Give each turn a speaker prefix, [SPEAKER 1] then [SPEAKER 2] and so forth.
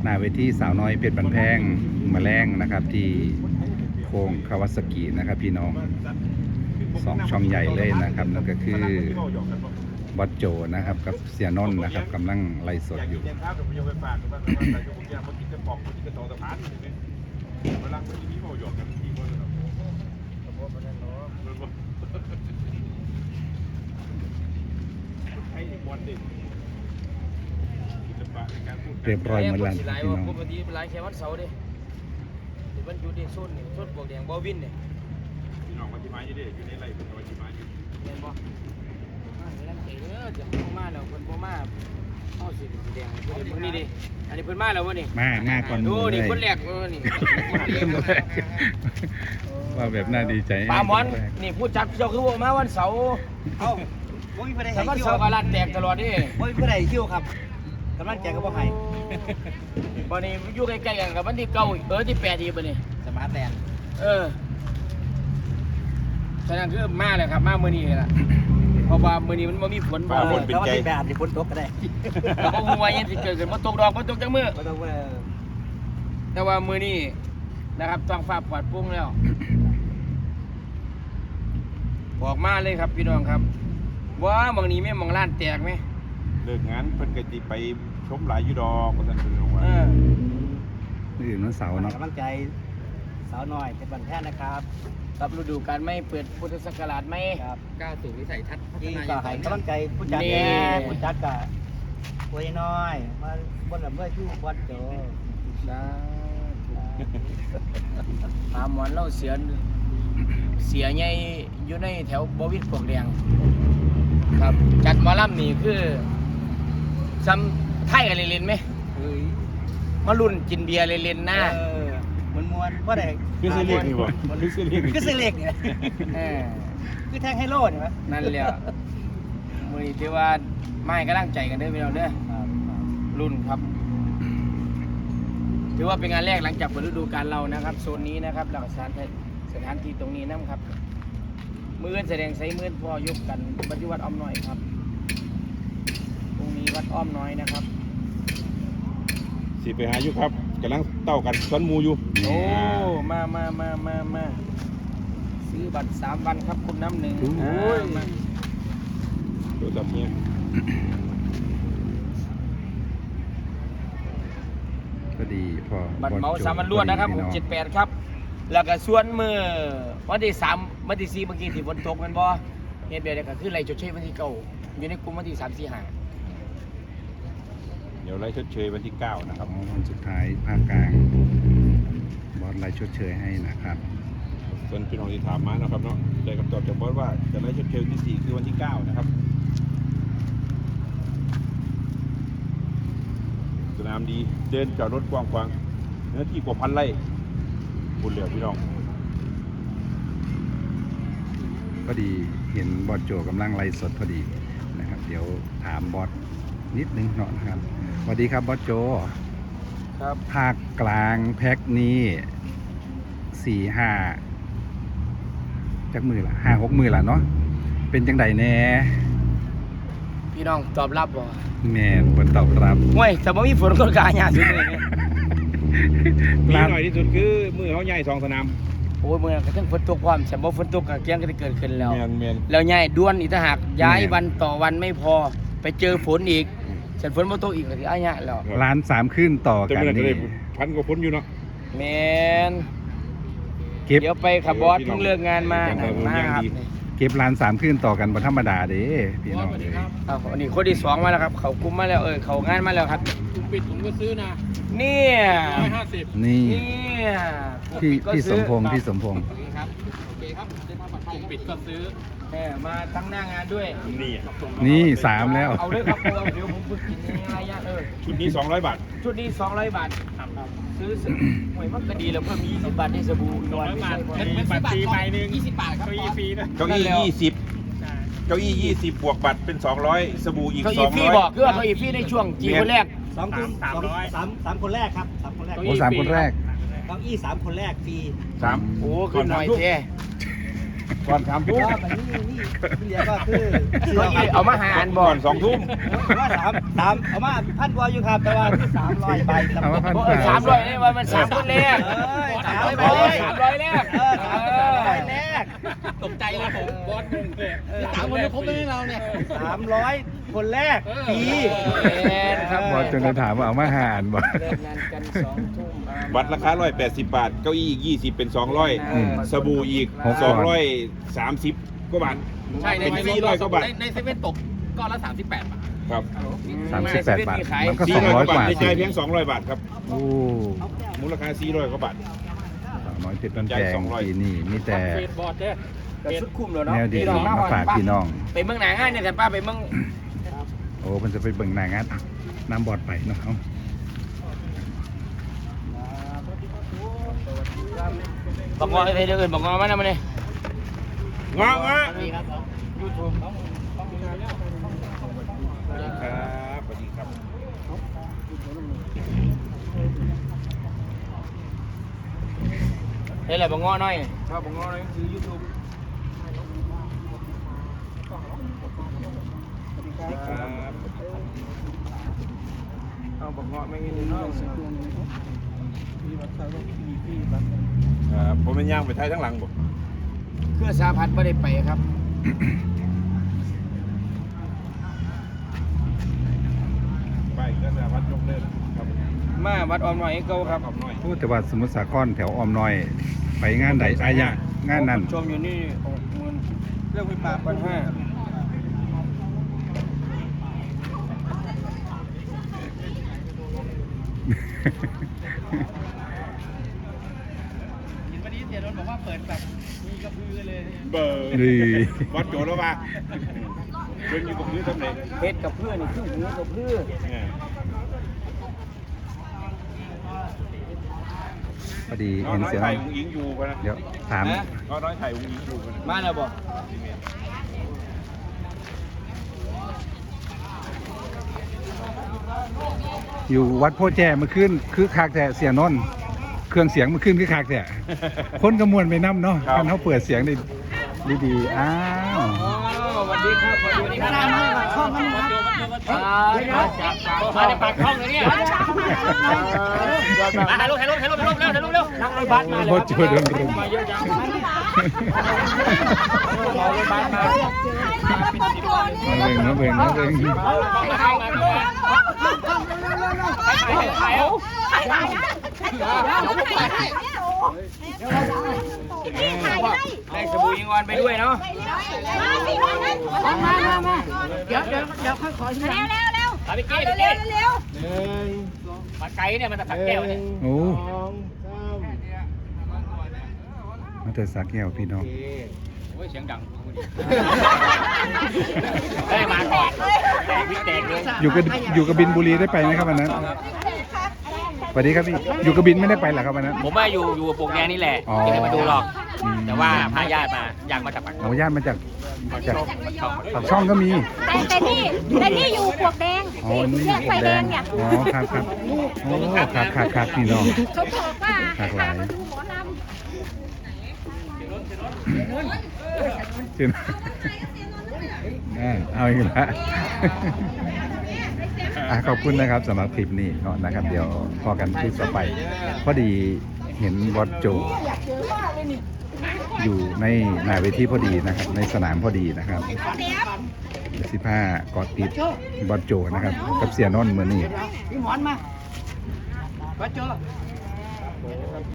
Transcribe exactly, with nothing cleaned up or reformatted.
[SPEAKER 1] หน้าเวทีสาวน้อยเพชรบันแพงมาแรงนะครับที่โค้งคาวาซากินะครับพี่น้องสองช่องใหญ่เลยนะครับนั่นก็คือบอสโจนะครับกับเสียนนท์นะครับกำลังไล่สดอยู่เรียบร้อยหมดแล้วพี่น้อง
[SPEAKER 2] ปกติเป็นไลน์แค่วันเสาร์ดิหรือวันหยุดดิส้นนี่ส้นบวกแดงบอวินเนี่ยพี่น้องมาที่ไม้อยู่ดิอยู่ในไร่เป็นมาที่ไม้อยู่เห็นบ่มาเห็นแล้วเอ๋อจะเข้ามาแล้วคนบ่มาเข้าสีแดงคนนี้ดิอันนี้เพิ่นมาแล้ววะนี่
[SPEAKER 1] มามาก่อนดู
[SPEAKER 2] นี่คนแรกเออนี่
[SPEAKER 1] ว่าแบบน่าดีใจ
[SPEAKER 2] ปลาหมอนนี่พูดจัดเจ้าคือว่ามาวันเสาร์เอ้าบ่มีผู้ใดให้คิววันเสาร์ก็ร้านแตกตลอดดิบ่มีผู้ใดคิวครับกำลังแจกก็บ่ให้บ่นี่อยู่ใกล้ๆกันกับวันที่เก้าเออที่แปดอีกบ่นี่สมาร์ทแลนด์เออฉะนั้นคือมาเลยครับมามื้อนี้ล่ะเพราะว่ามื้อนี้มันบ่มีฝนบ่ฝนเป็นใจแบบที่ฝนตกก็ได้บ่ฮู้ว่ายังสิเกิดขึ้นบ่ตกดอกบ่ตกจังมื้อบ่ต้องว่าแต่ว่ามื้อนี้นะครับท้องฟ้าปลอดโปร่งแล้วออกมาเลยครับพี่น้องครับว่าบางนี้แม่มองร้านแตกไหม
[SPEAKER 3] เลิกงานเพิ่นก็สิไปชมหลายอยู่ดอกว่าซั่นเพิ่นว่า
[SPEAKER 2] เออ
[SPEAKER 1] นี่อื่นวันเสาร์เนาะ
[SPEAKER 4] กำลังใจสาวน้อยเป็นบันแท้นะครับ
[SPEAKER 2] กับฤดูกาลไม่เปิดพุทธศักราชไหม
[SPEAKER 4] ครับ
[SPEAKER 2] ก้าวสู่วิสัยทัศน์พัฒนา
[SPEAKER 4] ก็ให้กำลังใจผู้จัดแน่ผู้จัดก็ป่วยน้อยมาบนลำเลื่อยชู้บอลโจ
[SPEAKER 2] นะหาหมอนเล่าเสียเสียใหญ่อยู่ในแถวบวิทปลวกแดงครับจัดหมอลำนี่คือซ้ำไทยกันเล่นๆไหมมารุ่นกินเบียร์เล่นๆหน้า
[SPEAKER 4] ม้วนม้วนว่าได้
[SPEAKER 3] คือสิเล็กนี่บ่คือสิเล็ก
[SPEAKER 4] คือสิเล็กเนี่ยคือแทงไฮโลนี่มั้ย
[SPEAKER 2] นั่นแหละมื้อนี้ถือว่าไม่กำลังใจกันเด้อพี่น้องเด้อรุ่นครับถือว่าเป็นงานแรกหลังจากเปิดฤดูกาลเรานะครับโซนนี้นะครับหลักสถานสถานที่ตรงนี้นะครับมือแสดงใช้มือพ่อยกกันปฏิวัติอ้อมน้อยครับตรงนี้วัดอ้อมน้อยนะครับ
[SPEAKER 3] สิไปหาอยู่ครับกำลังเต้ากันสวนหมูอยู่
[SPEAKER 2] โอ้มามามามามาซื้อบัตรสามวันครับคุณน้ำหนึ่งโอ้ย
[SPEAKER 3] ตัวจับเนี่ย
[SPEAKER 1] ก็ดีพอ
[SPEAKER 2] บัตรเมาสามวันรวดนะครับหกเจ็ดแปดครับแล้วก็ส่วนมือวันที่สามวันที่สี่เมื่อกี้ที่ฝนตกกันบ่เฮ็ดแบบนี้ก็คือไล่ชดเชยวันที่เก้าอยู่ในกลุ่มวันที่สามสี่ห้า
[SPEAKER 3] เดี๋ยวไล่ชดเชยวันที่เก้านะครับ
[SPEAKER 1] วันสุดท้ายภาคกลางบอสไล่ชดเชยให้นะครับ
[SPEAKER 3] ส่วนพี่น้องที่ถามมานะครับเนาะได้คำตอบจากบอสว่าจะไล่ชดเชยวันที่สี่คือวันที่เก้านะครับสนามดีเดินจอดรถกว้างขวางเนื้อที่กว่าพันไร่บุญเหลือพี่น้อง
[SPEAKER 1] พอดีเห็นบอสโจกำลังไล่สดพอดีนะครับเดี๋ยวถามบอสนิดนึงเนาะนะครับสวัสดีครับบอสโจ
[SPEAKER 2] ครับ
[SPEAKER 1] ภาคกลางแพ็คนี้สี่ห้าจักมือละห้าหกมือละเนาะเป็นจังใดแน่
[SPEAKER 2] พี่น้องตอบรับบ่
[SPEAKER 1] แม่ผลตอบรับ
[SPEAKER 2] ห่วยแต่บ่มีฝนก็กาหยาสุดเลย
[SPEAKER 3] มีหน่อยที่สุดคือมือเขาใหญ่สองสนาม
[SPEAKER 2] โอ้ยเมื่อกระทั่งฝนตกความแต่บ่ฝนตกก็เกี้ยงก็จะเกิดขึ้นแล้ว
[SPEAKER 3] แ
[SPEAKER 2] แล้วใหญ่ด้วนอีกถ้าหากย้ายวันต่อวันไม่พอไปเจอฝนอีกเสร็จฝนบ่ตกอีกก็สิอ้ายะแล้ว
[SPEAKER 1] ล้านสามขึ้นต่อกันนี่
[SPEAKER 3] พันกว่าฝนอยู่เนาะ
[SPEAKER 2] แม่นเดี๋ยวไปขับบอสเพิ่งเลิกงานมามาครับ
[SPEAKER 1] เก็บล้านสามขึ้นต่อกันบ่ธรรมดาเด้พี่น้องเด้
[SPEAKER 2] อ้าวอันนี้คนที่สองมาแล้วครับเขากุมมาแล้วเออเขางานมาแล้วครับ
[SPEAKER 4] ถุงปิดผมก็ซื้อนะ
[SPEAKER 2] เนี่ย
[SPEAKER 4] ร้อยห้าสิบ
[SPEAKER 1] นี่
[SPEAKER 2] เนี่ย
[SPEAKER 1] พี่พี่สมพงษ์พี่สมพงษ์
[SPEAKER 4] ครับโอเคครับเดินทางปลอดภัยปิดก็ซื้อ
[SPEAKER 2] แหมมาทั้งหน้างานด้วย
[SPEAKER 3] นี่
[SPEAKER 1] นี่สามแล้ว
[SPEAKER 2] เอาเลยครับเดี๋ยวผมฝึกกินง่ายๆเออ
[SPEAKER 3] ชุดนี้สองร้อยบาท
[SPEAKER 2] ชุดนี้สองร้อยบาทซื้อหวยมันก็ดีแล้วเพิ่มยี่สิบบาทได้สบู่นอนไม่ใช่พอ
[SPEAKER 4] เป็นบัตรฟรีใบหนึ่งยี่สิบบาทครับเก้าอี้ฟรีนะ
[SPEAKER 3] เก้าอี้ยี่สิบเก้าอี้ยี่สิบบวกบัตรเป็นสองร้อยสบู่อีกสองร้อย
[SPEAKER 2] เก้าอี้ฟรีบอกคือว่าเก้าอี้ฟรีในช่วงจีคนแรก
[SPEAKER 4] สองคนสามร้อยสามสามคนแรกครับสามคนแรก
[SPEAKER 1] โอ้สามคนแรก
[SPEAKER 4] เก้าอี้สามคนแรกฟรี
[SPEAKER 3] สาม
[SPEAKER 2] โอ้ขึ้นหน่อยเท่
[SPEAKER 3] ก่อนสามทุ่ม
[SPEAKER 4] ก็แบบนี้นี่ที่เหลือก็คือ
[SPEAKER 2] เก้าอี้เอามาหารบ่
[SPEAKER 3] ก่อนสองทุ่ม
[SPEAKER 4] ว่าสามสามเอามาพันกว่าอยู่ครับแต่ว่าคือสามร้อยใบ
[SPEAKER 1] เอามาพัน
[SPEAKER 2] เออสามร้อยนี่ว่ามันสามคนแรก
[SPEAKER 4] เอ้ย
[SPEAKER 2] สา
[SPEAKER 4] สาม ม
[SPEAKER 2] ร้
[SPEAKER 4] ร้
[SPEAKER 2] อ
[SPEAKER 4] อย ย
[SPEAKER 2] สามร้อยแรก
[SPEAKER 4] เออสามร้อยแรก
[SPEAKER 2] ตกใจเลยผมบอสหนึ่งเลย
[SPEAKER 4] สามคนครบเลยเราเนี่ยสามร้อยคนแรกปี
[SPEAKER 2] ครับ
[SPEAKER 1] บอสจนจะถามว่าเอามาหารบ่
[SPEAKER 2] เลิกงานกันสองทุ่ม
[SPEAKER 3] บัตรราคาร้อยแปดสิบบาทเก้าอี้อีกยี่สิบเป็นสองร้อย
[SPEAKER 1] อืม
[SPEAKER 3] สบู่อีก
[SPEAKER 1] หก
[SPEAKER 3] สองร้อยสามสิบกว่าบาท
[SPEAKER 5] ใช่ใน
[SPEAKER 3] เป็นสี่ร้อยกว่าบาท
[SPEAKER 5] ในในเซเว่นตกก้อนละสามสิบแปดบาท
[SPEAKER 3] ครับ
[SPEAKER 1] สามสิบแปดบาทมันก็
[SPEAKER 3] สี่
[SPEAKER 1] สอง
[SPEAKER 3] ร้อย
[SPEAKER 1] ร้อย
[SPEAKER 3] กว่าก บา
[SPEAKER 1] ว่า
[SPEAKER 3] ทใน
[SPEAKER 1] สิ
[SPEAKER 3] ใจายเพียงสองร้อยบาทครับ
[SPEAKER 1] โอ้
[SPEAKER 3] มูลค่าสี่ร้อยกว่าบาท
[SPEAKER 1] สาวน้อยเพชรบ้านแพง
[SPEAKER 3] สองร้อย
[SPEAKER 1] ปีนี้มีแต่
[SPEAKER 5] เฟดบอร์ดเนี่ย
[SPEAKER 2] กระสุดคุ้มแล้วเนาะ
[SPEAKER 1] แนวดีๆมาฝากพี่น้อง
[SPEAKER 2] ไปเมืองหนางานเนี่ยแต่ป้าไปเมือง
[SPEAKER 1] โอ้มันจะไปเบิ่งหนางานน้ำบอดไปเนาะเอา
[SPEAKER 2] บอกงอไอ้เดี๋ยวอื่นบอกงอมานะมันนี่
[SPEAKER 3] งอ
[SPEAKER 2] ค
[SPEAKER 3] งอ
[SPEAKER 2] รับ
[SPEAKER 3] ยูทูบสวัสดีครับสวัสดีครับ
[SPEAKER 2] เฮ้ยแหละบอกงอหน่อยว่าบอกงอหน่อยคือยูทูบ
[SPEAKER 3] ครับ
[SPEAKER 2] เอาบอกงอไม่มีเนาะ
[SPEAKER 3] ครับผมเป็นย่างไปไทยทั้งหลังบ่
[SPEAKER 2] เครื่องสาพัดไม่ได้ไปครับ
[SPEAKER 3] ไปก็จะวัดยกเลิกครับ
[SPEAKER 2] มาวัดออมหน่อยเก่าครับ
[SPEAKER 3] ขอบหน่อย
[SPEAKER 1] พูดแต่ว่าสมุทรสาครแถวออมน้อย ไปงานใดอายะงานนั้น
[SPEAKER 2] ชมอยู่นี่หกหมื่น
[SPEAKER 4] เรื่องไฟฟ้า
[SPEAKER 2] พันห้า
[SPEAKER 4] วันนี้เสียรถบอกว่าเปิดแบบมีกระพือเลย
[SPEAKER 3] เบอร์
[SPEAKER 1] ดี
[SPEAKER 3] วัดโจแล้วป่ะเดินอยู่กับพื้นทำไร
[SPEAKER 2] เพชรกับเพื่อนนี่ครึ่งหูกับเพื่อน
[SPEAKER 3] เนี่ย
[SPEAKER 1] พอดี
[SPEAKER 3] น้อ
[SPEAKER 1] เห็น
[SPEAKER 3] น้อย
[SPEAKER 1] เสียง
[SPEAKER 3] ไถ่อุ้งอิงอยู่กันนะ
[SPEAKER 1] เดี๋ยวถาม
[SPEAKER 3] น้อยน้อยไถ่อุ้งอิงอยู่กัน
[SPEAKER 2] มาแล้วบอก
[SPEAKER 1] อยู่วัดโพแจเมื่อคืนคือคากแต่เสียนนท์เครื่องเสียงเมื่อคืนคือคากแต่คนกระมวลไปน้ำเนาะท่านเขาเปิดเสียงได้ดีๆอ้าว
[SPEAKER 2] อ๋อสวัสดีครับสวัสดีครับ
[SPEAKER 4] มามามาช่องนั้นนะครับ
[SPEAKER 5] มาในปากช่องเลยเนี่ยมาถ่ายรูปถ่ายรูปถ่ายรูปถ่ายรูปเร็วถ่ายรูปเร็ว
[SPEAKER 2] นั่งรถบัสมาเลย
[SPEAKER 1] โคตรโจโดนรุม
[SPEAKER 2] มาเยอะจังมารถบัสมา
[SPEAKER 1] มาเบ่งมาเบ่งมาเบ่ง
[SPEAKER 5] มาถ่ายมาถ่ายเอา
[SPEAKER 2] ได้สบู่ยิงออนไปด้วยเนาะ
[SPEAKER 6] มามามาเดี๋ยวเดี๋ยวเดี๋ยวค่อยขอทีหลังเร็วเร็ว
[SPEAKER 5] ถ่ายไป
[SPEAKER 6] เร็
[SPEAKER 5] กี้
[SPEAKER 6] ว
[SPEAKER 5] ไป
[SPEAKER 6] เร็
[SPEAKER 5] กี้
[SPEAKER 6] วเร็ว
[SPEAKER 5] ปากไก่เนี่ยมันจะผักแก้วเนี่ย
[SPEAKER 1] โอ้มาเถิดสักแก้วพี่น้อง
[SPEAKER 5] โอ้ยเสียงดังได้มาก่อนแตกวิแตกเลย
[SPEAKER 1] อยู่กับอยู่กับบินบุรีได้ไปไหมครับวันนั้นสวัสดีครับพี่อยู่กับบินไม่ได้ไปเหรอครับวันนั้น
[SPEAKER 5] ผมว่าอยู่อยู่ปลูกแดงนี่แหละ
[SPEAKER 1] อ๋อ
[SPEAKER 5] ไม่ได้มาดูหรอก
[SPEAKER 1] อืม
[SPEAKER 5] แต่ว่าพาญาติมาอยากมาจากปาก
[SPEAKER 1] โอ้ญาติมาจากจากปากช่องก็มี
[SPEAKER 6] แต่แต่นี่แต่นี่อยู่ปลวกแดง
[SPEAKER 1] อ๋อนี่
[SPEAKER 6] แยกไฟแดงเนี่ย
[SPEAKER 1] อ๋อครับครับโอ้ครับครับครับพี่น้อง
[SPEAKER 6] เขาบอกว่า
[SPEAKER 1] หลากห
[SPEAKER 6] พา
[SPEAKER 1] ลาย
[SPEAKER 6] มาดูหมอลำ
[SPEAKER 1] เชิญอ่าเอาอีกแล้วอ่ะขอบคุณนะครับสำหรับคลิปนี้เนาะนะครับ เดี๋ยวพอกันคลิปต่อไป พอดีเห็นบอสโจ อยู่ในหน้าเวทีพอดีนะครับ ในสนามพอดีนะครับสิบห้ากอดติดบอสโจนะครับ กับเสียนนท์เหมือนนี่
[SPEAKER 4] พี่หมอนมาวัดโจ